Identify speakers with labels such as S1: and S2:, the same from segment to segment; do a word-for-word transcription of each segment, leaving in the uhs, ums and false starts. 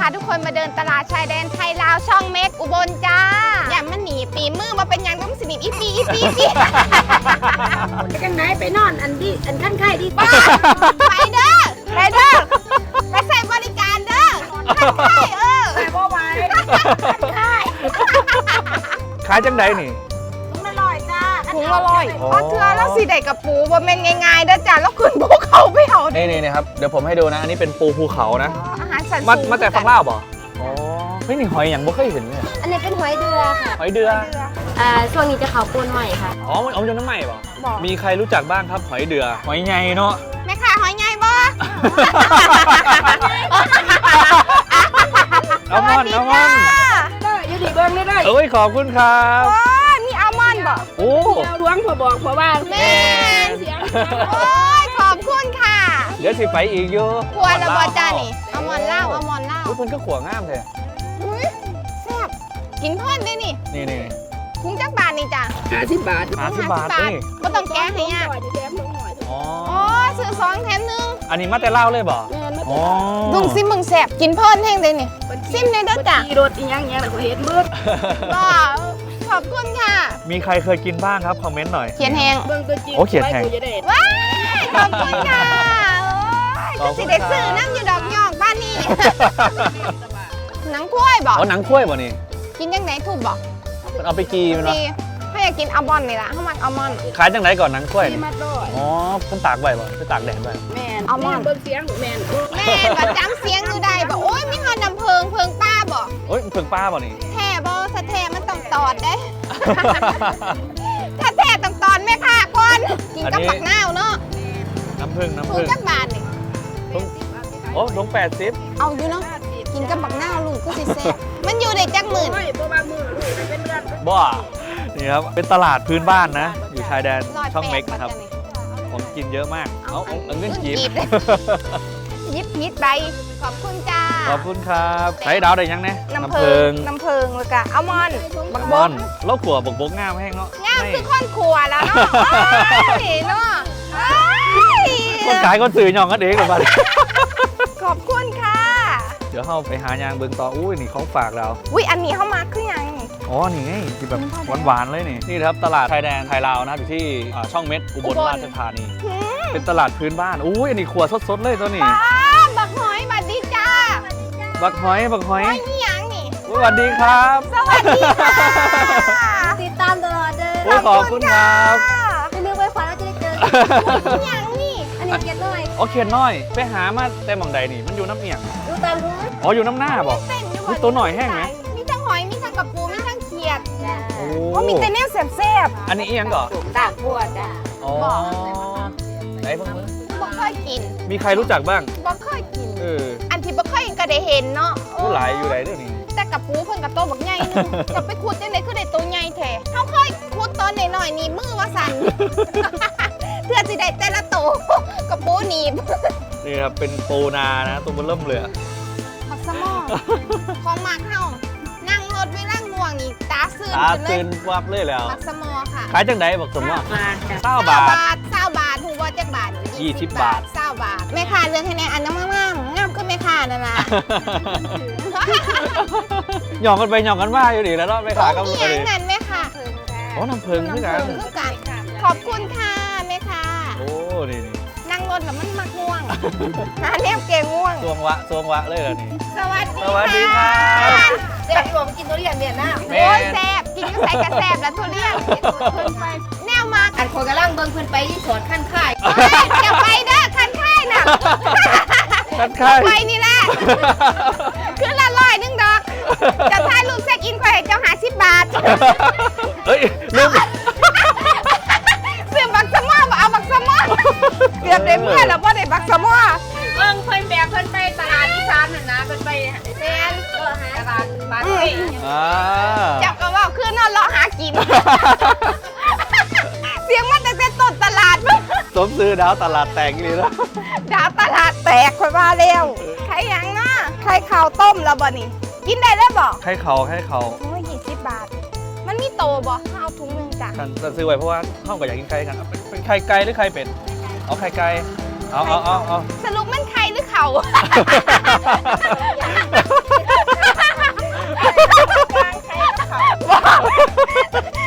S1: าทุกคนมาเดินตลาดชายแดนไทยลาวช่องเม็กอุบลจ้าอย่ามันหนีปีมือมาเป็นยังต้องสนิทอีปีอีปีอีปี
S2: ไปกันไหนไปนอนอันดีอันขั้นไข่ดี
S1: ป้าไปเด้อไปเด้อไปใส่บริการเด้อใช่เออ
S2: ไปบ่ไหวไข่
S3: ขายจังไดนี่
S2: ถุงละร้อยจ้า
S1: ถุงละร้อยเพราะเธอแล้วสีใดกับปูบ่เป็นง่ายๆเด้อจ้าแล้วขึ้นภูเขาไปเอา
S3: นี่นี่นะครับเดี๋ยวผมให้ดูนะอันนี้เป็นปูภูเขานะ
S1: อาหารสัน
S3: มามาแต่ฝั่งลาวบ่อ๋อเฮ้ยนี่หอยอย่างบ่เคยเห็นเลย
S2: อันนี้เป็นหอยเดือค่ะ
S3: หอยเดือ
S2: อ่าช่วงนี้จะเขาปูนใหม่ค่ะ
S3: อ๋อมันเอาจนน้ำใหม่บ่มีใครรู้จักบ้างครับหอยเดือหอยใหญ่เนาะ
S1: แม่ค่ะหอยใหญ่บ่
S3: เอามอนเอามอน
S2: ได้ยูดีเบิ้งได้
S3: เอ้ยขอบคุณครับ
S1: โอ้นี่อัลมอนด์บ่
S3: โอ้
S2: ล้วงพอบอกพอว่า
S1: แม่โอ้ยขอบคุณค่ะ
S3: เดี๋ยวสิไปอีกอยู่
S1: ขวดละบ่จ้านี่อัลมอนด์เล่าอัลมอนด์เล่า
S3: ทุกคนก็ขวงามเลย
S1: อุ้ยแซ่บกินเพิ่นได้นี่
S3: นี่นี่
S1: คุ้งจักบาทนี่จ้ะ
S2: ห้าสิบบาท
S3: ห้าสิบบาทนี่
S1: บ่ต้องแก้ให้ยาก
S3: อ๋อ
S1: อ๋อซื้อสองแถมหนึ่ง
S3: อันนี้มาแต่เล่าเลยบ่อ๋อ
S1: ดุงซิมมึงแซ่บกินเพิ่นแห้งได้นี่ซิมในเด้อจ้ะ
S2: รถอีหยังเงี้ยเราเห็นมืด
S1: ก็ขอบคุณค่ะ
S3: มีใครเคยกินบ้างครับคอมเมนต์หน่อย
S1: เขียนแห้ง
S2: เบิ้งตัวจริง
S3: โอ้เขียนแห้ง
S1: ว้ายขอบคุณค่ะโอ้ยจะสิได้ซื้อน้ำอยู่ดอกยอกบ้านนี่หนังกล้วยบ่
S3: อ๋อหนังกล้วยบ่นี่
S1: กินยังไงถูกบ่
S3: มันเอาไปกีมันเนาะ
S1: ถ้าอยากกินอัลมอนด์นี่ล่ะถ้ามันอัลมอนด์
S3: ขายจังไหนก่อนหนังกล้วย
S2: นี่มาด้วย
S3: อ๋อคุณตากไว้บ่ไปตากแดดไว้
S2: แม่อัลมอนด์เบิ้งเสียงแม่
S1: แม่แบบจำเสียงอยู่ได้บ่โอ้ยมีหอน้ำเพิงเพิงป้าบ่
S3: โอ้ยเพิงป้าบ่นี่
S1: แท้บ่ถ้าแท้มันต้องตอดเด้ถ้าแท้ต้องตอนแม่ค่ะก่อนกินกับผักนาวเนาะ
S3: น้ำผึ้งน้ำผึ้ง
S1: ถูกจักบาทนี่
S3: โอ้ลงแปดสิบ
S1: เอาอยู่เนาะกินกับผักนาวลูกก็สิแซ่บมันอยู่ได้จักหมื่น
S3: บ่นี่ครับเป็นตลาดพื้นบ้านนะอยู่ชายแดนช่องเม็กนะครับของกินเยอะมากเอาเอาเงินกีบ
S1: ยิบยิบใบขอบคุณจ้า
S3: ขอบคุณครับใช้ดาวได้ยังเนี่ย
S1: น้ำเพิงน้ำเพิงเลยกะอัลมอนด์บักบก
S3: แล้วขัวบักบกงามแห้งเนาะ
S1: งามคือข้นขัวแล้วเนาะเนาะ
S3: คนขายคนสื่อหยองกันเองกับมัน
S1: ขอบคุณค่ะ
S3: เดี๋ยวเข้าไปหายางเบิงต่ออุ้ยนี่เขาฝากเรา
S1: อุ้ยอันนี้เข้ามาคือยัง
S3: อ๋อนี่ไงที่แบบหวานๆเลยนี่นี่ครับตลาดชายแดนไทยลาวนะอยู่ที่ช่องเม็ดอุบลราชธานีเป็นตลาดพื้นบ้านอุ้ยอันนี้ขัวสดๆเลยตัวนี้
S1: บักหอยบัดดีจ้า
S3: บักหอยบักหอย
S1: นี่ยังนี่
S3: สวัสดีครับ
S1: สวัสดีค่ะ
S2: ติดตามตลอด
S3: เลยขอบคุณครับ
S2: ไม่ลืมไปฝันว่าจะได้เจอ
S1: นี่ยังนี่
S2: อันนี้เกียรน้อย
S3: โอเคน้อยไปหามาแต่หม่องใดนี่มันอยู่น้ำเอียง
S2: ดูตามรู้
S3: อ๋ออยู่น้ำหน้าบอกมีตัวหน่อยแห้งไหม
S1: มีทั้งหอยมีทั้งกระปูมีทั้งเขียด
S3: โอ้
S1: ก็มีแต่เนี้ยแซ่บ
S3: อันนี้เอียงก่อน
S2: ตากปวดอ่ะ
S3: อ๋อไหนเพิ่งมือ
S1: บ่เคยกิน
S3: มีใครรู้จักบ้าง
S1: บ่เคยกิน
S3: เออ
S1: อันที่บ่เคยก็ได้เห็นเนาะ
S3: ผู้หลายอยู่ไหนเรื่องนี้
S1: แต่กระปูเพิ่นกระโตบักใหญ่นึงจะไปขุดจังได๋คือได้ตัวใหญ่แท้เฮาเคยขุดตอนน้อยๆนี่มือว่าสั่นเพื่อสิได้แต่ละตัวกระปูหนีบ
S3: นี่ครับเป็นปูนานะตัวมันเริ่มเหลือ
S1: ผักสมอของมากเฮานั่งรถเวลาง่วงนี่ตาซื่น
S3: ตาซื่นวับเลยแล้ว
S1: ผักสมอค่ะ
S3: ขายจังได๋บักสมอเก้าบาท
S1: เก้าบาทฮู้บ่จักบาท
S3: ยี่สิบบาท
S1: เก้าบาทแม่ค้าเรื่องให้แน่อันงามๆงามคือแม่ค้านั่นล่ะ
S3: หยอกกันไปหยอกกันมาอยู่ดีแล้วเนาะแม่ค้าก็บ่ได้
S1: นั่นแม่ค้า
S3: โอ้น้ำเพิงคือกัน
S1: ขอบคุณค่ะแม่ค้า
S3: โอ้นี่
S1: ๆนั่งรถแล้วมันมักง่วงหาแนวเกงง่วง
S3: สวงวะสวงวะเลยเหรอนี่
S1: สวัสดี
S3: สวัสดีค่ะ
S2: เด็กหลวงกินทุเรียนเนี่ยนะ
S1: โอ้ยแซ่บกินก็ใส่กระแซ่บแล้วทุเรียนแนวมาก
S2: อันคนกำลังเบิ่งเพิ่นไปที่สวนขั้นค่าย
S1: อย่าไปเด้อขั้นค่ายน่ะ
S3: ขั้นค่าย
S1: ไปนี่แหละคือละร้อยนึงดอกจะถ่ายรูปเช็คอินข่อยเจ้าหาสิบบาท
S3: เฮ้ยลืม
S1: ซื้อบักสมอมาเอาบักสมอเกือบได้เมื่อแล้วว่าได้บักสมอ
S2: เบิ่งเพิ่นแบบเพิ่นไปตลาดอีสานน่ะนะเพิ่นไปแม่นเออหาตลาดบ้านเอ้ย
S3: อ่า
S1: จับก็ว่าคือนอนรอหากินเสียงมันแต่ต้นตลาด
S3: สมซื้อดาวตลาดแตกเลยนะ
S1: ดาวตลาดแตกค่อยว่าแล้วใครยังนะใครข้าวต้มแล้วบ่นี่กินได้แล้วบ่
S3: ใครเขาใครเขา
S1: โอ้ยยี่สิบบาทมันมีโตบ่เอาถุงนึงจ้ะ
S3: จะซื้อไว้เพราะว่าห้องก็อยากกินไก่กันเป็นไข่ไก่หรือไข่เป็ดเอาไข่ไก่เอาเอาเอาเอา
S1: สรุปมันไข่หรือเขา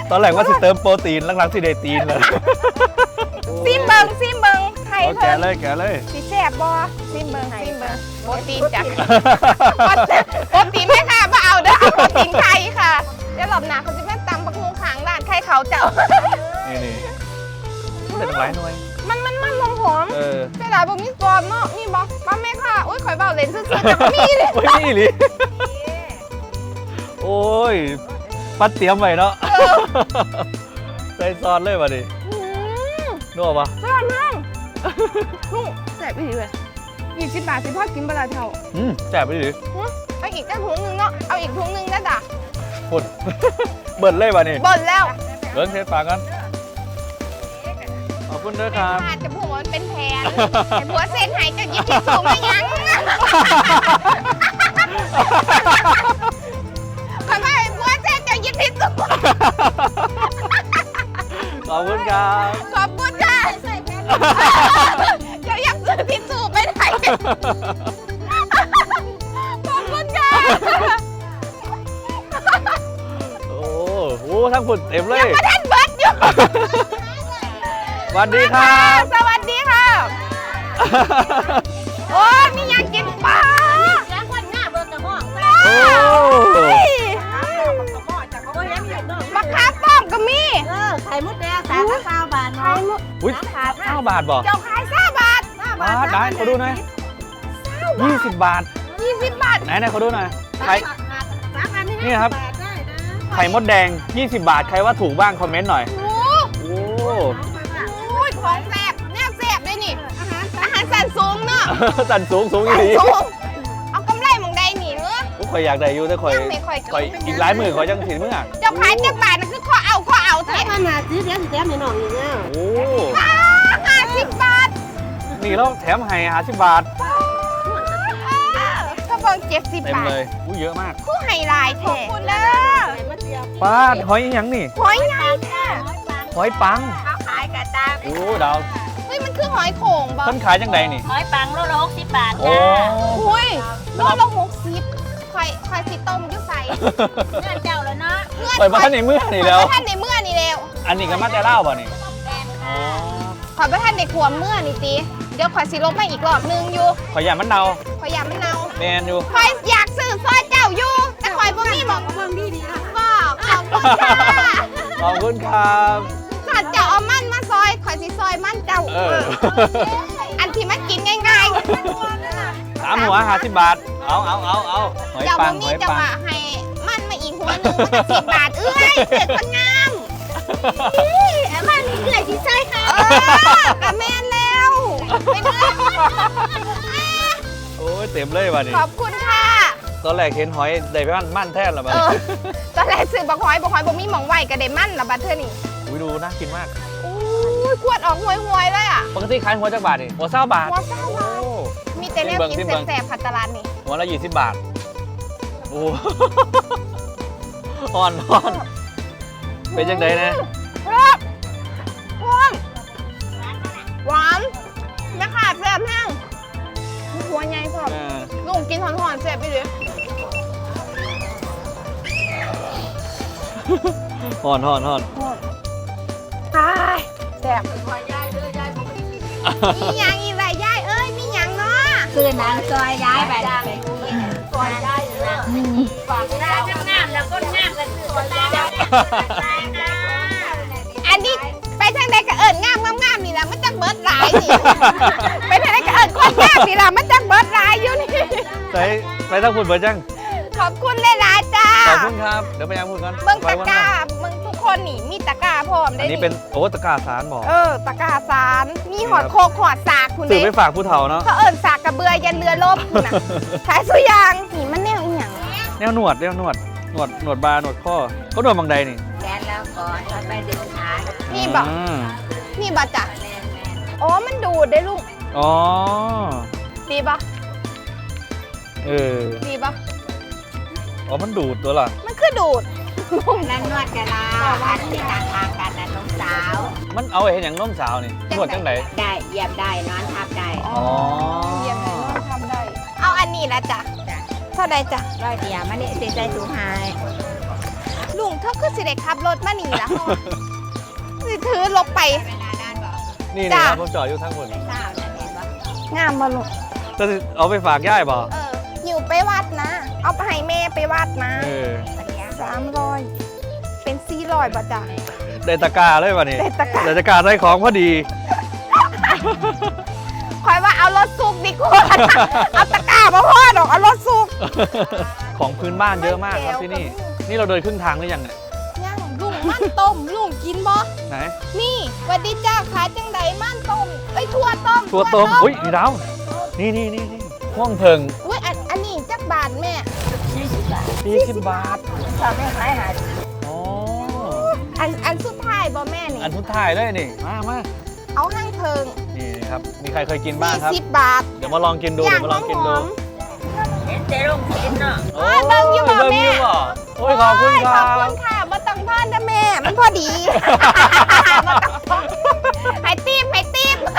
S3: ตอนแรกว่าสิเติมโปรตีนหลังๆสิได้ตีนเลย
S1: ซิมเบิงซิมเบิงไข่
S3: เอาแกะ
S1: เพิ่น
S3: เลยแกะเลย
S1: สิแซ่บบ่ซิมเบิงซิมเบิงโปรตีนจ้ะโปรตีนไม่ค่ะมาเอาเด้อเอาโปรตีนไข่ค่ะเดี๋ยวรอบหน้าเขาจะแม่ตำบักฮุงขางร้านไข่เขาเจ้า
S3: นี่นี่เด็ดหลายหน่วย
S1: มันมันมันหอมหอม
S3: เออ
S1: แต่หลายบ่มีฟอร์มเนาะมีบ่ป้าแม่ค่ะอุ้ยข่อยเบาเล่นซื่อๆแต่บ่มีเลย
S3: โอ้ยนี่หลิโอ้ยปัดเตรียมไว้เนาะใส่ซอสเลยมาดิ
S1: อืม
S3: นัวปะ
S1: แซ่บมากลุงแซ่บอีหลีเว้ยยี่สิบบาทสิพ่อกินบ่ละเท่า
S3: อืมแจ่บไปดิ
S1: หึเอาอีกแค่ถุงหนึงเนาะเอาอีกถุงหนึงได้จ้ะ
S3: พุ่น เบิดเลยมาดิ
S1: บ่นแล้ว
S3: เบิ้งเทปากกันขอบคุณด้วยครับ
S1: อาจจะพูดว่ามันเป็นแผนแต่ผัวเส้นหายจะยิบที่สูงไม่ยั้งขอให้ผัวเส้นจะยิบที่สูง
S3: ขอบคุณครับ
S1: ขอบคุณค่ะจะอยากซื้อที่สูงไปไหนขอบคุณค่ะ
S3: โอ้โหทั้งฝุ่นเต็มเลย
S1: ประเทศเบิร์ดอยู่
S3: สวัสดีครับ
S1: สวัสดีค่ะโอ้ยมีอยากกินปลา
S2: แล้วคนหน้าเบิกกระหม่อม
S3: โอ้
S1: มะขามป้อมก็มี
S2: เออไข่มดแดงสามสิบเก้าบาทเนาะ
S3: อุ้ยห้าบาทบอก
S1: เจ้าขายห้าบาท
S3: บาทได้ขอดูหน่อยยี่สิบบาท
S1: ยี่สิบบาท
S3: ไหนไหนขอดูหน่อยไข่
S2: สามอันนี้
S3: นี่ครับ
S2: บาทได้นะ
S3: ไข่มดแดงยี่สิบบาทใครว่าถูกบ้างคอมเมนต์หน่อย
S1: โอ้
S3: โอ้
S1: โหของแซ่บแน่แซ่บเลยนี่ อาหารสันสูงเนาะ
S3: สันสูงสูงอี
S1: สัน
S3: หลี
S1: สูง เอากำไรหมองใดหนีเนื้อ
S3: อุ๊ยข่อยอยากได้อยู่แต่ข่อย
S1: ยังไม่ข่อย
S3: ข่อยอีกหลายหมื่นข่อยจังถิ่นเมื่อ
S1: เจ้าขายเจ้าบาทนั่นคือข้อเอาข้อเอาแท้
S2: ถ้ามาซื้อเดี๋ยวสิแถมให้น้องอีกแล้ว
S3: โอ้
S1: ห้าสิบบาท
S3: นี่แล้วแถมให้ห้าสิบบาท
S1: ถ้าเบิ่งเจ็ดสิบ
S3: เต็ม
S1: บาท
S3: เลยอุ้ยเยอะมาก
S1: คู่ไฮไลท์แท้ขอบคุณเด้อ
S3: ป้าดหอยอีหยังนี่
S1: หอยใหญ่แท้
S3: หอยปัง
S2: เขาขายกระตา
S3: โอ้ดาว
S1: เฮ้ยมันคือหอยโข่งบ่
S3: เพิ่นขายจังใดนี่
S2: หอยปังโลละหกสิบบาท
S3: โอ้
S2: จ้า
S1: อุ้ยโลละหกสิบข่อยข่อยสิต้มอยุ่ใส่
S2: เงื่อนเจ้าแล้วเนาะ
S1: เงื่อน
S3: ข่อยบ้านในเมื่อนี่แล้ว
S1: ข่อยบ่ท่านในเมื่อนี่แล้ว
S3: อันนี้ก็มาแต่เล่าป่ะนี่
S2: แดง
S3: อ๋อ
S1: ข่อยบ่ท่านในขวมเมื่อนี่ติเดี๋ยวข่อยสิลบมาอีกรอบนึงอยู่
S3: ข่อยอยากมันเนา
S1: ข่อยอยากมันเนา
S3: แมนอยู่
S1: ข่อยอยากซื้อซอยเจ้าอยู่ แต่ข่อยบ่มีหมอง
S2: เบิ่งดีดีอ่ะ
S1: บอกขอบคุณค่ะ
S3: ขอบคุณครับ
S1: ถ้าเจ้าเอามันมาซอยข่อยสิซอยมันเจ้า
S3: เออ
S1: อันที่มันกินง่าย
S3: สามหัวห้าสิบบาท เอาเอาเอาเอาหอย
S1: ๆเจ้า
S3: ปั
S1: บ่
S3: งห
S1: มี
S3: อย
S1: เจ้า
S3: ปัง
S1: ว่าให้มันมาอีกหัวหนึงมันก็สิบบาทเอ้ยเด็กคนงาม
S2: ไอ้บ้านนี้เกลือที่ใช่ค่ะ
S1: เออกะแม่นแล้วไปเลย
S3: โอ้ยเต็มเลยว่ะนี่
S1: ขอบคุณค่ะ
S3: ตอนแรกเห็นหอยได้ไปมั่นมั่นแท้ละบ้า
S1: เออตอนแรกซื้อบักหอยบักหอยบ่มีหมองไว้ก็ได้มันละบัดเทื่อนี่
S3: อุ้ยดูน่ากินมาก
S1: อู้ยขวดออกห่วยๆเลยอ่ะ
S3: ปกติขายหัวจักบาทนี่หัวเศร้าบาท
S1: หัวเศร้าบาท
S3: โอ้
S1: มีแต่แนวกิน
S3: ซิมเบิ่ง
S1: แสบๆผัดตลาดนี่
S3: หัวละยี่สิบบาท โอ้ อ่อนอ่อนเป็นจังไดนะ
S1: ครับหอมหวานแม่ขาดแซ่บแห้งหัวใหญ่พร้อม
S3: เออ
S1: ลุงกินหอนๆแซ่บไปเลย
S3: อ่อนอ่อนอ่อน
S1: ตายแซ่บมีหยังอีไรยายเอ้ยมีหยังเนาะ
S2: คือนางซอยย้ายไปไปซอยได้เลยฝากได้งามแล้วก็งามกันซอยได้
S1: อันนี้ไปทางใดก็เอิญงามงามๆนี่แหละมันจักเบิร์ดหลายนี่ ไปทางใดก็เอิญคนงามนี่แหละมันจักเบิร์ดหลายอยู่นี่
S3: ใส่ไปตั้งพูดเบิร์ดจัง
S1: ขอบคุณหลายๆจ้า
S3: ขอบคุณครับ เดี๋ยวไปยังพูดกัน
S1: เบิ่ง
S3: ไว้
S1: ตะ
S3: วัน
S1: ก
S3: ห
S1: ร้า
S3: น้า
S1: มึงทุกคนนี่มีตะกร้าพร้อมได้
S3: อันนี้เป็นโอ้ตะกร้าสารบอก
S1: เออตะกร้าสารมีหอดโคกหอดสากคุณ
S3: สื่อ
S1: เด้
S3: ไปฝากผู้เฒ่าเนาะ
S1: เขาเอิญสากกระเบือยันเรือล่มคุณน่ะขายสุยางนี่มันแนวอีหยัง
S3: แนวหนวดแนวหนวดหนวดหนวดบาร์หนวดข้อก็หนวดบางใดนี่
S2: แกนแล้วก่อนเราไปดึงขา
S1: นี่บอก
S3: ม
S1: นี่บอกจ้ะ
S2: แมนแมน
S1: อ๋อมันดูดได้ลูก
S3: อ๋อ
S1: ดีปะ
S3: เออ
S1: ดีปะ
S3: อ๋อมันดูดตัวล่ะ
S1: มันคือดูด
S2: นั่นนวดกันลาอันที่ต่างทางกันนะน้องสาว
S3: มันเอาไปเห็นอย่างน้มสาวนี่นวดจังไหน
S2: ได้เยี่ยมได้นอนทับได้
S3: อ๋อ
S1: เยี่ยมเลยน้องทำได้ เอาอันนี้ละจ้ะ
S2: จ้ะ
S1: เท่าใดจ้ะ
S2: ร้อยเดียวมันนี่สิใจสูงหาย
S1: ลุงเธอคือสิได้ขับรถมานี่ล่ะสิถือลบไป
S3: นี่
S1: จ้ะ
S3: นี่ครับผมจอดอยู่ทั้งหมด
S1: งามบ่ลุง
S3: จะเอาไปฝากย่ายบ่
S1: เออหิวไปวัดนะ เอาไปให้แม่ไปวัดนะ
S3: เออ
S1: สามร้อยเป็นสี่ร้อยบาทจ้ะ
S3: ได้ตะกร้าเลยว่ะนี่
S1: ได้ตะกร้า
S3: ได้ตะกร้าใส่ของพอดี
S1: คอยว่าเอารถซุกดีกว่า เอาตะกร้ามาพ่อดอกเอารถซุก
S3: ของพื้นบ้านเยอะมากครับ
S1: ไม่
S3: ที่
S1: แก้ว
S3: นี่
S1: ก็มี
S3: นี่เราเดินครึ่งทางหรือยังเนี่ย
S1: ย่างลุงมันต้มลุงกินบ่
S3: ไหน
S1: นี่หวัดดีจ้าขายจังไดมันต้มไอ้ยถั่วต้ม
S3: ตัวต้มอุ้ยนี่ดาวนี่นี่นี่นี่พ่วงเพิง
S1: อุ้ยอันอันนี้จักบาทแม่
S2: สี่สิบบาท
S3: สี่สิบบาท
S2: ถ้าแม่ขายหา
S3: อ๋อ
S1: อันอันสุดท้ายบ่แม่นี่
S3: อันทุดท้ายเลยนี่มามา
S1: เอาห้างเพิง
S3: นี่ครับมีใครเคยกินบ้างครับ
S1: สี่สิบบาท
S3: เดี๋ยวมาลองกินดู
S1: อ
S3: เดี๋
S1: ย่าง
S3: ยวมา
S1: ห
S3: ล
S1: อ
S3: อง
S1: ม
S3: กิน
S1: ห
S3: ดู
S1: อม
S2: เห็นแต่ลงกินเนาะ
S1: โอ้ยเบิ่งอยู่บ่
S3: เบิ่ง
S1: แม่
S3: อยู่บ่โอ้ยขอบคุณค
S1: ข
S3: รั
S1: อบบ คุณค่ะบ่ต้องทอนนะแม่ มันพอดี บ่ต้องทอนให้ตีบให้ตีบ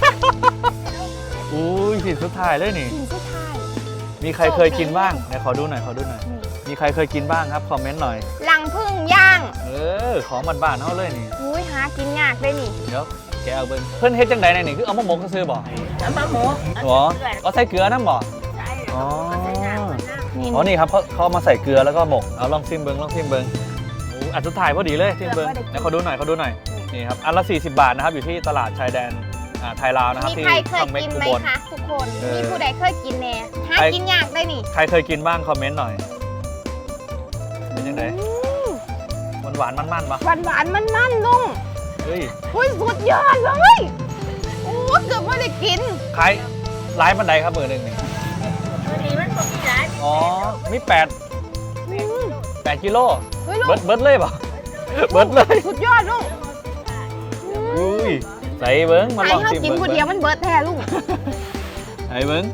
S3: อุ้ยสินสุดท้ายเลยนี่
S1: กินสุดท้าย
S3: มีใครเคยกินบ้างไหนขอดูหน่อยขอดูหน่อย มีใครเคยกินบ้างครับคอมเมนต์หน่อย
S1: หลังพึ่งย่าง
S3: เออของบ้านๆเขาเลยนี่
S1: อุ้ยหากินยากเลยนี่
S3: เดี๋ยวแกเอาเบิ้งเพื่อนเฮ็ดจังใดในนี่คือเอามาหมกซื้อๆบ่
S2: เอามาหมู
S3: หรอเอาใส่เกลือน้ำบ่
S2: ใช่
S3: อ๋อ
S2: ใส่น้ำมันน้ำ
S1: นี่
S3: อ๋อนี่ครับเขาเขาเอามาใส่เกลือแล้วก็หมกเอาลองซิมเบิ้งลองซิมเบิ้งโอ้อันสุดท้ายพอดีเลยซิมเบิ้งเดี๋ยวขอดูหน่อยขอดูหน่อยนี่ครับอันละสี่สิบบาทนะครับอยู่ที่ตลาดชายแดนอ่าไทยลาวนะครับ
S1: มี
S3: ที่
S1: ใครเคย
S3: ช่องเม็ก
S1: กิน
S3: อุ
S1: ไหม
S3: บล
S1: คะทุกคน
S3: เออ
S1: มีผู้ใดเคยกินแน่หา
S3: ใคร
S1: กินยากได้นี่
S3: ใครเคยกินบ้างคอมเมนต์หน่อยเป็นยังไงหวานหวานๆมันๆปะ
S1: หวานหวานมันมันๆลุง
S3: เฮ้ย
S1: อุ้ยสุดยอดเลยโอ้เกือบไม่ได้กิน
S3: ขายร้ายบันไดครับเบอร์หนึ่งนี่
S2: ตัวนี้มันก็มีหลาย
S3: อ๋อมีแปด
S1: อืม
S3: แปดกิโล
S1: เฮ้ยลุ
S3: เบิ
S1: ง
S3: ร์ดเบิร์ดเลยเปล่ะเบิร์ดเลย
S1: สุดยอดลุง
S3: อุ้ยใส่เบิ้งมา
S1: ไอ้
S3: ลอง
S1: เขา
S3: ชิม
S1: กิน
S3: เบิ้ง
S1: คนเดียวมันเบิร์ดแท้ลุง
S3: ใส่เบิ้ง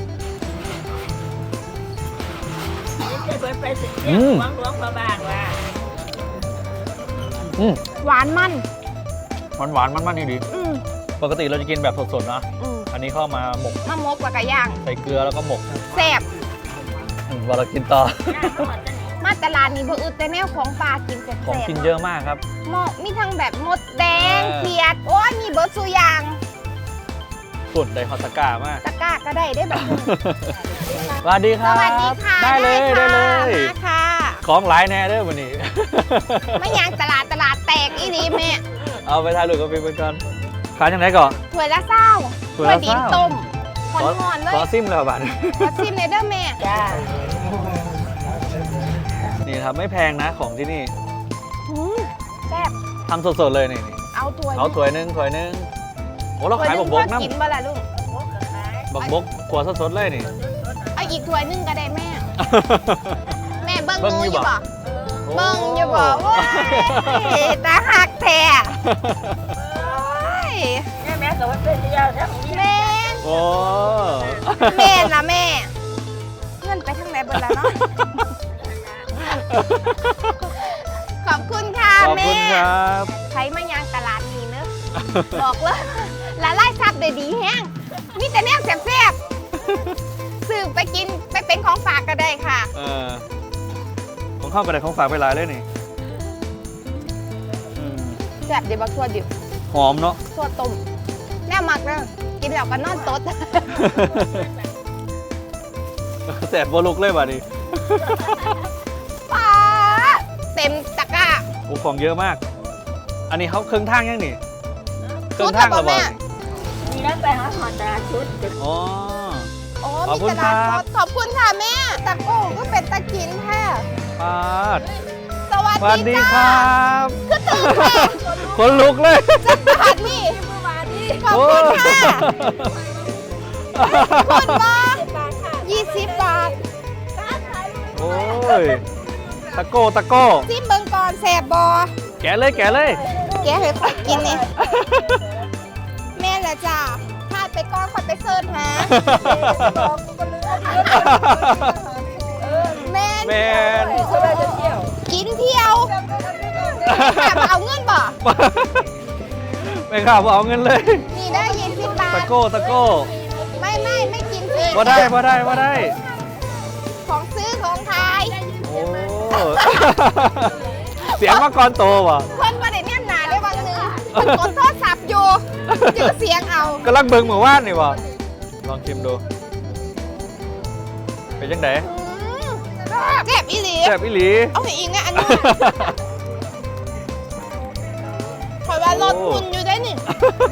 S2: เปิดไปสิ
S3: อื
S2: เนี่ย
S3: ม
S2: หลวงหลวงพระบางว่า
S3: อืม
S1: หวานมัน
S3: หวานหวานๆมันๆนี่ดี
S1: อืม
S3: ปกติเราจะกินแบบสดๆนะ
S1: อืม
S3: อันนี้เข้ามาหมก
S1: มะมกกับกระย่าง
S3: ใส่เกลือแล้วก็หมก
S1: แซ่บ
S3: อืมเวลาเรากินต่อ
S2: หน้าเขาจะหนี
S1: มาตลาดนี้บ่อึดแต่แนวของปลากินแซ่บ
S3: ของกินเยอะมากครับ
S1: ๆหมอกมีทั้งแบบมดแดง
S3: เออ
S1: เขียด โอ้ยมีเบิร์ดสุอยาง
S3: สุดไดฮอตตะกร้ามาก
S1: ตะกร้าก็ได้ได้แบบนี้
S3: สวัสดีค
S1: ส
S3: รับ
S1: วัสดีค่ะ
S3: ได้เลยได้เลย
S1: มาค่ะ
S3: ของหลายแน่เด้อวันนี้
S1: ไม่ยางตลาดตลาดแตกอีนีแม่
S3: เอาไปถ่ายรูปกับพี่เพื่อนก่อนขายยังไงก่อน
S1: ถ้วยละเศร้า
S3: ถ้วยละ
S1: ดิน
S3: เศร้า
S1: ต้มหอนๆเล
S3: ขอย ซิมแล้วบัตร
S1: ขอชิมเลยเด้อแม่
S2: จ้า
S3: นี่ครับไม่แพงนะของที่นี่
S1: หืมแซ่บ
S3: ทำสดๆเลยนี่นี่
S1: เอาถ้วย
S3: เอาถ้วยหนึงถ้วยหนึงโอ้เราขายบักบก
S1: ถ้วยห
S3: น้
S1: งกินบ่ล่ะลุง
S2: หมูกับขาย
S3: ำบักบกขวดสดๆเลยนี่
S1: เอาอีกถ้วยหนึงก็ได้แม่ แม่เบิ้ง
S3: เบิ่ง
S1: งู
S3: อ
S1: อยู่ ยู่
S3: บ่
S1: บ่เบิ้งอยู่บ่ว้ายตาหักแท้โอ้ย
S2: แม่แม่กับว่าเป็นเดียวทั้งนี้
S1: แม่น
S3: โอ้
S1: แม่นละแม่เงินไปทางไหนเบิดแล้วเนาะขอบคุณค่ะ
S3: ขอบ
S1: แม่
S3: คุณครับ
S1: ใช้มายางตลาดนี้เนอะ บอกเลยละลายซับได้ดีแฮงมีแต่แนวแซ่บๆซื้อไปกินไปเป็นของฝากก็ได้ค่ะ
S3: เออของข้าวกระไดของฝากไปหลายเลยนี่อืม
S1: แซ่บเดี๋ยวบักทั่วดิบ
S3: หอมเนาะ
S1: ทั่วต้มแน่มักนะกินแล้วก็นอนตด
S3: แสบบัวลุกเลยว่ะนี่
S1: ป้าเต็มตะกร้า
S3: โอ้ของเยอะมาก อันนี้เขาเครื่องทางยังนี่เค
S1: ชุ
S3: รื่อ
S1: ด
S3: งทาง
S1: แต่
S3: ระ
S1: บ่
S3: เบิ
S1: แม่
S3: ด
S2: มีแล้วไปหาหอดตลาดชุด
S3: อ๋อ
S1: โอ้
S3: ขอบคุ
S1: มี
S3: ณ
S1: ตลาด
S3: ค
S1: ส
S3: รับ
S1: ดขอบคุณค่ะแม่ตะโก้ก็เป็นตะกินค่ะ
S3: ปาด
S1: สวัส
S3: สวัส
S1: ดี
S3: ดี
S1: จ้า
S3: ครับ
S1: คือตื่นแม่
S3: คนลุกเลย
S1: จักบาทนี่ขอบคุณค่ะคุณบอยี่สิบบาท
S3: โอ้ยตะโก้ตะโก้
S1: ซิมเบิงก่อนแสบบอ
S3: แกะเลยแกะเลย
S1: แกให้ค่อยกินนี่แม่ละจ้าพลาดไปก่อนค่อยไปเซิร์ชหาแม่
S3: แมน
S1: กินเที่ยวแบบเอาเงินบ่
S3: ไม่ข่าวเอาเงินเลย
S1: นี่ได้ยี่สิบบา
S3: ตะ
S1: ท
S3: โก้ตะโก้
S1: ไม่ไม่ไม่กินฟรี
S3: ว่าได้ว่าได้ว่าได้
S1: ของซื้อของขาย
S3: โอ้เสียงมาก่อนโตว่ะ
S1: เพิ่นมาได้แนมหนาได้บางนึงเพิ่นกดโทรศัพท์อยู่เจอเสียงเอา
S3: กำลังเบิ่งเหมือนว่านนี่ว่ะลองชิมดูเป็นยังไง
S1: อืมแซ่บอีหลี
S3: แซ่บอีหลี
S1: เอาให้อีกนะอันนี้ขอยว่ารสคุณอยู่ได้นี่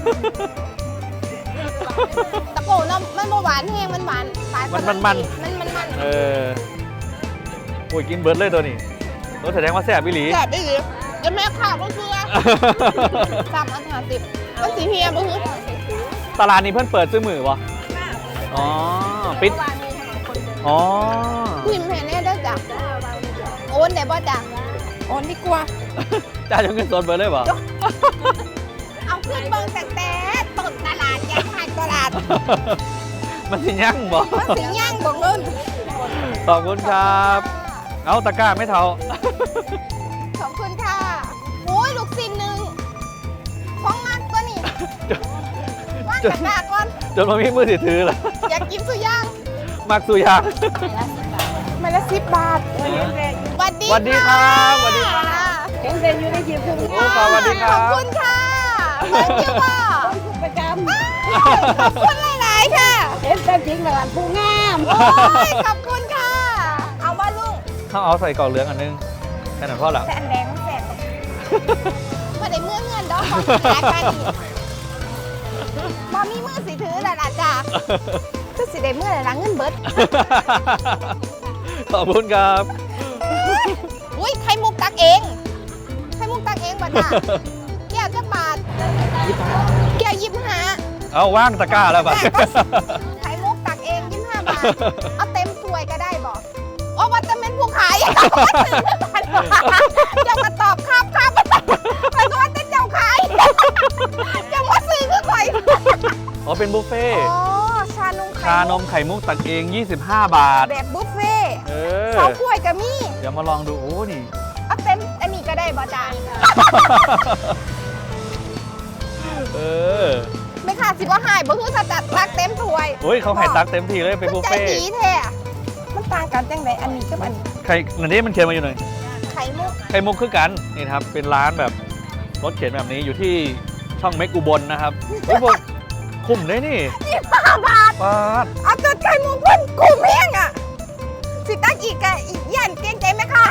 S1: ตะโกนเนาะมันบ่หวานแห้งมันหวานหวาน
S3: มันมันมัน
S1: มันมันมัน
S3: เออโอ้ยกินเบิร์ดเลยตัวนี้ตัวแสดงว่าแซ่บอีหลี
S1: แซ่บอีหลีจะแม่ข่าวก็คือสามอันห้าสิบมันสีเฮียบ่คือ
S3: ตลาดนี้เพิ่นเปิดซื้อมือวะอ๋อปิดอ๋อ
S1: พิมพ์ให้แน่ได้อจ้ะโอนได้บ่จ้ะโอนดีกว่า
S3: จ่ายจนเงินสดเบิร์ดเลยปะ
S1: เอาขึ้นเบิ่งแต่แต่ต้นตลาดยังหายตลาด
S3: มันสิยั่งบ่
S1: มันสิย่างบ่เงิน
S3: ขอบคุณครับ เอาตะกร้าไม่เท่า
S1: ขอบคุณค่ะโอ้ยลูกศิษย์หนึ่งของมากตัวนี้ว่างจากหน้าก่อน
S3: จนมามีมือถือถือแล้ว
S1: อยากกินสุย่าง
S3: มักสุยาง
S1: มาละสิบบาทสวัสดี
S3: สวัสดีครับสวัสดี
S1: ค่ะ
S2: เห็นเป็นอยู่ในยิมถึง
S3: โอ้ขอบสวัสดีค
S1: ข
S3: รั
S1: อบบ คุณค่ะเบิ่งอยู่บ่
S2: ประจ
S1: ขอบคุณหลายๆค่ะ
S2: ำเห็นเป็นจริงเลยผู้งาม
S1: โอ้ยขอบคุณค่ะ เอาว่าลุง
S3: เขาเอาใส่กล่องเหลืองอันนึงแค่นั้นพอแล้ว
S1: แต่อันแดงมันแสบมาได้เมื่อเงินดอกของหากันอีกบ่มีมือสิถือแล้วล่ะจ้ะคือสิได้เมื่อไหร่ละเงินเบิด
S3: ขอบคุณครับ
S1: อุ้ยไข่มุกตักเองไข่มุกตักเองบ่จ้ะแก้วจะบาทแก้วยิบห้า
S3: เอาว่างตะกร้าแล้วปะ
S1: ไข่มุกตักเองยิบห้าบาทเอาเต็มถ้วยก็ได้บอกโอ้ว่าจะเป็นผู้ขายเจ้ามาตอบครับครับมันก็ว่าจะเจ้าขายเจ้ามาซื้อคือข่อย
S3: อ๋อเป็นบุฟเฟ่
S1: อ๋อชานมไข่
S3: ชานมไข่มุกตักเอง ยี่สิบห้า บาท
S1: แบบบุฟเฟ่ต์
S3: เออ
S1: สองถ้วยก็มี
S3: เดี๋ยวมาลองดู โอ้ นี่
S1: เอาเต็มอันนี้ก็ได้บ่จ้า
S3: เออ
S1: ไม่ขาดสิบ่หายบ่คือสจัดตักเต็มถ้วย
S3: โอ้ยเขาให้ตักเต็มที่เลยเป็นบุฟ
S1: ใจ
S3: เฟ่
S1: ดีแท้มันต่างกันจังไดอันนี้กับอันนี้
S3: ไข่อันนี้มันเขียนมาอยู่หน่อย
S1: ไข่มุก
S3: ไข่มุกคือกัน นี่นะครับ เป็นร้านแบบรถเข็นแบบนี้อยู่ที่ช่องเมกอุบลนะครับเฮ้ยพวกคุ้มเลยนี่
S1: ยี่สิบห้าบาท
S3: ปาด
S1: เอาจดไข่มุกเพิ่นกูเพียงอ่ะสิตักอีกกะอีกยันเกรงใจไหมคะ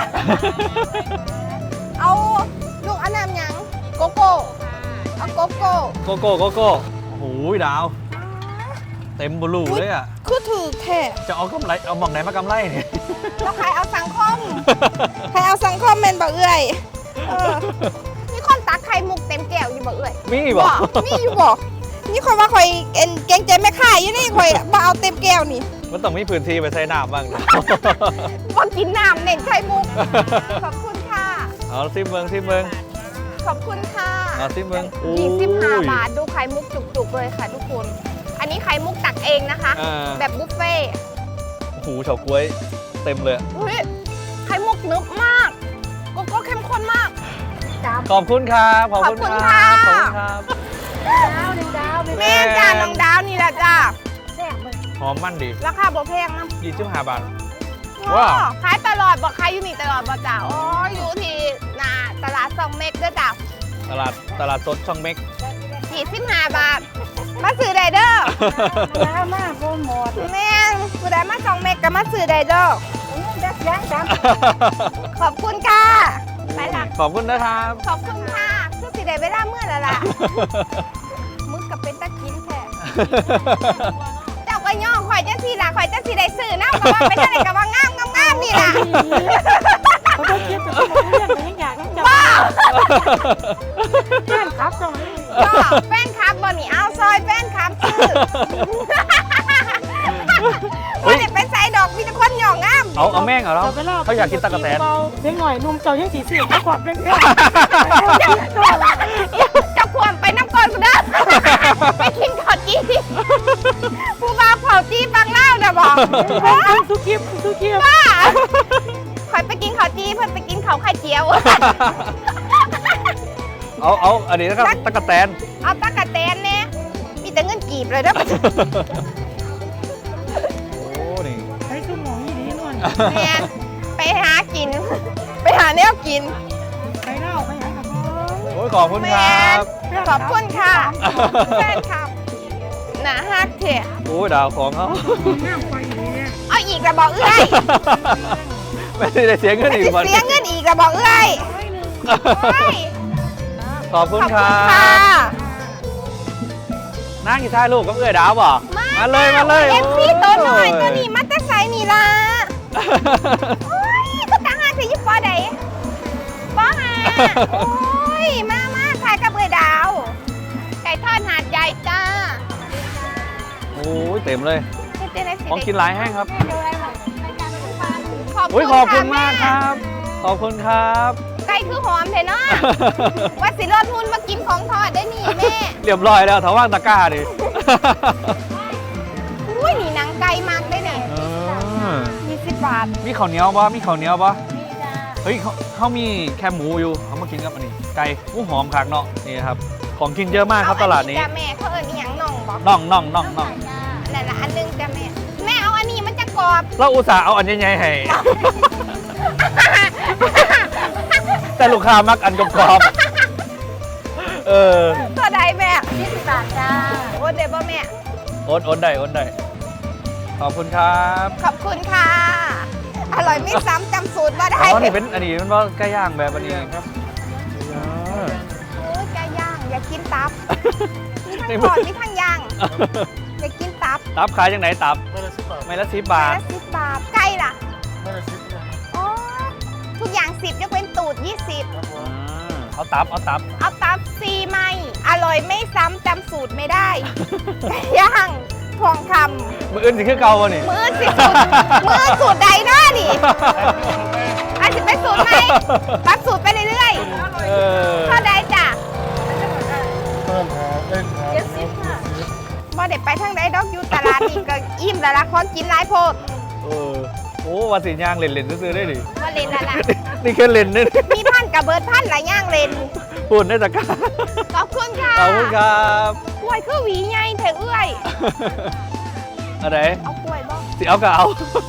S1: เอาลูกอันน้ำหยังโกโก้เอาโกโก้
S3: โกโก้โกโก้โอ้โหดาว เต็มบลูเลยอ่ะ
S1: คือถือแท้
S3: จะเอากำไร เอามองไหนมากำไรเนี่ย
S1: แล้วใครเอาสังคม ใครเอาสังคมแม่นบ่เอื้อยเออมีคนตักไข่มุกเต็มแก้วอยู่บ่เอื้อย
S3: มีบ่
S1: มีอยู่บ่นี่ข่อยว่าข่อยเอ็นเกรงใจแม่ค้าอยู่นี่ข่อยบ่เอาเต็มแก้วนี่
S3: มันต้องมีพื้นที่ไปใส่น้ำบ้างนะ
S1: บ่กินน้ำเน้นไข่มุก ขอบคุณค่ะ
S3: เอาซิมเมืองซิมเมือง
S1: ขอบคุณค่ะ
S3: เอาซิมเมือง
S1: ยี่สิบห้า
S3: อุ้ย
S1: บาทดูไข่มุกจุกๆเลยค่ะทุกคน อันนี้ไข่มุกตักเองนะคะ
S3: อ่า
S1: แบบบุฟเฟ่ต์
S3: โอ้โหเฉาก๊วยเต็มเลย
S1: อุ้ยไข่มุกนึบมากโกโก้เข้มข้นมาก
S3: ขอบคุณครับ ขอบคุณ
S1: ขอบคุณ
S3: ครั
S1: ค่ะ
S3: บ ขอบคุณครับ
S2: ดาวหนึ่งดาวไป
S1: แม่จ้าน้องดาวนี่แหละจ้า
S2: แซ่บเลย
S3: หอมมันดี
S1: ราคาบ่แพงนะ
S3: ยี่สิบห้าบาท
S1: อ๋อ
S3: ว้าว
S1: ขายตลอดบ่ขายอยู่นี่ตลอดบ่จ้าอ๋ออยู่ที่หน้าตลาดซองเม็กเด้อจ้า
S3: ตลาดตลาดสดช่องเม็ก
S1: ยี่สิบห้าบาท มาซื้อได้เด้อ
S2: ดาวมากโปรโมท
S1: แม่งผู้ใดมาซองเม็กก็มาซื้อได้เด้อ
S2: ดักยักษ์ด
S1: ขอบคุณค่ะไปละ
S3: ขอบคุณนะครับ
S1: ขอบคุณค่ะคือสิได้เวลาเมื่อแล้วล่ะ มึกกับเป็นตะกินแท้ เจ้าก็ย่อข่อยจังสีล่ะข่อยจังสีได้ซื้อนะเพราะว่าเป็นอะไรกับว่างามงามงามนี่ล่ะ
S2: ำเขาต้องคิดถึงเรื่องนี้อยากต้องจับ
S1: ว้าว
S2: แก้มครับตรงนี้
S1: ก็แฟนคลับบ่นี่เอาซอยแฟนคลับซื้อบ่ได้ไปใส่ดอกมีแต่คนหย่องงาม
S3: เอาเอาแม่งเหรอเราเขาอยากกินตะกะแตน
S2: เล็กหน่อยนุ่มเจ้ายังสีสีไม่กวาดเป็นเรื่อง
S1: เจะควรไปน้ำก่อนกูเด้อไปกินข้าวจี้ผู้บ่าวเผาจี้ฟังเล่าน่ะบอก
S2: สุกิบสุกิบ
S1: ว่าข่อยไปกินข้าวจี้เพิ่นไปกินข้าวไข่เจียว
S3: เอาเอาอันนี้นะครับตะกะแตน
S1: เอาตะกะแตนเนี่ยมีแต่เงินกีบเลยเด้อ
S3: โอ้นี่
S2: ใช้สมองยี่ดีนวล
S1: แม่นไปหากิน ไปหาแนวกิน
S2: ไป
S3: อ้ยขอบคุณครับ
S1: ขอบคุณค่ะแฟนครับหนาฮักเถอะ
S3: โอ้ยดาวของเขา
S1: เอาอีกระบอกเอ้ย
S3: ไม่ได้เสียเงินอีกวัน
S1: เสียเงินอีกระบอกเอ้ยเฮ้ย
S3: ขอบคุณ
S1: ขอบ
S3: ค
S1: คุ
S3: รั
S1: ณค่ะ
S3: บนั่งกี่ท้ายลูกกับเอื้อยดาวบ่มาเลยมาเลย
S1: เอฟซีตัวหน่อย
S3: โ
S1: ตัวนี้มันจะใส่นี่ล่ะโอ้ยก็ต่างหากสิอยิบปอใดปอหาโอ้ยมามาถ่ายกับเอ้ยดาว ไก่ทอดหาดใหญ่จ้า
S3: โอ้ยเต็มเลย
S1: เฮ็ดจั่งใดสิ
S3: ของกินหลายแห้งครับ
S1: ขอบ
S3: โอ้ย
S1: ณ
S3: ขอบคุณมากค
S1: ะ
S3: รับ ขอบคุณครับ
S1: แม่ไก่คือหอมเถอะเนาะ ว่าสิรอดทุนมากินของทอดได้นี่แม่
S3: เรียบร้อยแล้วถาว่างตะกร้าดิ
S1: อุ้ยนี่หนังไก่มากได้เนี่ย
S3: เออ
S1: ยี่สิบบาท
S3: มีข้าวเหนียวบ่มีข้าวเหนียวบ่เฮ้ยเขาเขามีแค่หมูอยู่เขามากินกับอันนี้ ไก่หมูหอมคักเนาะนี่ครับ ของกินเยอะมากครับตลาดนี้
S1: เออัจ้ะแม่เขาเอิ้นอีหยังน่องบอก
S3: น่องน่องน่องน่อง
S1: นั่นละอันหนึงจ้ะแม่ แม่เอาอันนี้มันจะกรอบ
S3: เราอุตส่าห์เอาอันใหญ่ๆให้ แต่ลูกค้ามักอันกรอบๆเออ
S1: ตัวใดแม่
S2: ยี่สิบบาทจ้า
S1: โอ้เดี๋ยวบ่แม่
S3: โอนโอนได้โอนได้ ขอบคุณครับ
S1: ขอบคุณค่ะ อร่อยไม่ซ้ำจำสูตรมาได้
S3: อ๋อนี่เป็นอันนี้มันว่าไก่ย่างแบบอันนี้ครับเออ
S1: โอ้ยไก่ย่าง อย่ากินตับ มีทั้ง
S3: นี่
S1: ท
S3: มัน
S1: อดมีทั้งย่าง อย่ากินตับ
S3: ตับขายยังไหนตับไม่ละสิบบาท
S1: ละสิบบาท ไก่ล่ะอ๋อทุกอย่างสิบยกเว้นตูดยี่สิบ
S3: อ่าเอาตับเอาตับ
S1: เอาตับซีไหมอร่อยไม่ซ้ำจำสูตรไม่ได้ ไก่ย่างทองค
S3: มืออื่นสิคือเก่าวะนี่
S1: ำมือสิสูตรมือสูตรใดเนาะนี่อาจจะเป็นสูตรไหมปรับสูตรไปเรื่อย
S3: เออ
S1: ๆเท่าใดจ้ะ
S2: เจ็ดสิบค่ะ
S1: บ่ได้ไปทางใดดอกอยู่ตลาดนี่ก็อิ่มแล้วละของกินหลายโพด
S3: เออโอ้ว่าสิย่างเล่นๆซื้อๆได้ดิ
S1: ว่าเล่นแล้วล่ะ
S3: นี่แค่เล่นนี่
S1: มีพันกับเบิร์ดพันหลายย่างเล่น
S3: พูดได้ตะกร้า
S1: ขอบคุณค่ะ
S3: ขอบคุณครับ
S1: กล้วยคือหวีใหญ่เถอะเอื้อย
S3: อะไร
S1: เอากล้วยบ่
S3: สิเอาก็เอา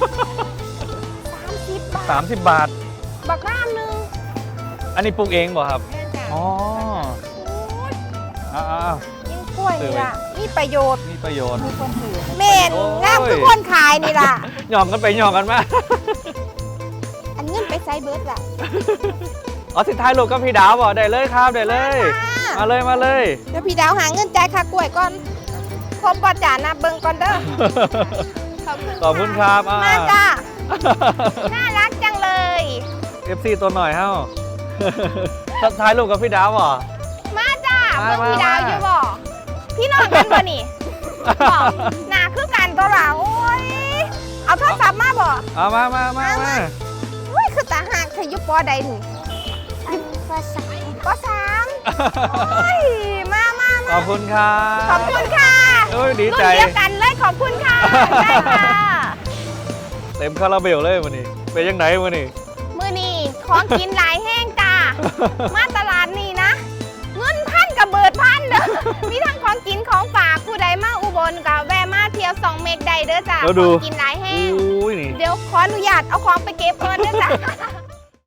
S1: สามสิบบาท
S3: สามสิบบาท
S1: บักน้ำหนึง
S3: อันนี้ปลูกเองบ่ครับ
S1: แม่จ้ะ
S3: อ๋อ
S1: โอ้ย
S3: อ้าว
S1: กินกล้วยนี่ล่ะมีประโยชน์
S3: ๆมีประโยชน์
S1: เม่น
S3: โอ้ย
S1: งามคือคนขายนี่ล่ะ
S3: หย่องกันไปหย่องกันมา
S1: อันเงินไปใส่เบิร์ดล่ะ
S3: อ๋อสิท้ายลูกกับพี่ดาวบ่ได้เลยครับได้เลย มาเลยมาเลย
S1: เดี๋ยวพี่ดาวหาเงินจ่ายค่ากล้วยก่อนครบบ่จ่านะเบิ่งก่อนเด้อ ขอบคุณ
S3: ขอบคุณครับอ่า
S1: มาจ้า น่ารักจังเลย
S3: เอฟซีตัวหน่อยเฮ้า ทักทายลูกกับพี่ดาวบ่
S1: มาจ้า
S3: มา
S1: เบิ่งพี่
S3: มา
S1: ดาวอยู่บ่พี่น้องกันบ่นี่บอกหนาคือกันตัวละโอ้ย เอาโทรศัพท์มาบ่
S3: เอามามามามา
S1: อุ้ยคือตาหักเธออยู่ปอใดนี่
S2: อันก็สาม
S1: ปอสามโอ้ย มามา
S3: ข
S1: มา
S3: อบคุณครับ
S1: ขอบคุณค่ะ
S3: โอ้ยดี
S1: รุ่น
S3: ใจ
S1: เดียวกันเลยขอบคุณค่ะ ได้ค่ะ
S3: เต็มคาราเบลเลยวันนี้เป็นยังไงวันนี้
S1: มือนี่ของกินหลายแห้งจ้า มาตลาดนี่นะ เงินพันกับเบิดพันเด้อ มีทั้งของกินของฝากผู้ใดมาอุบลกับแวะมาเที่ยวสองเมกใดเด้อจ้า
S3: แล้ว
S1: ข
S3: ดู
S1: องกินหลายแห้ง
S3: อุ้ยนี่
S1: เดี๋ยวขออนุญาตเอาของไปเก็บก่อนเด้อจ้า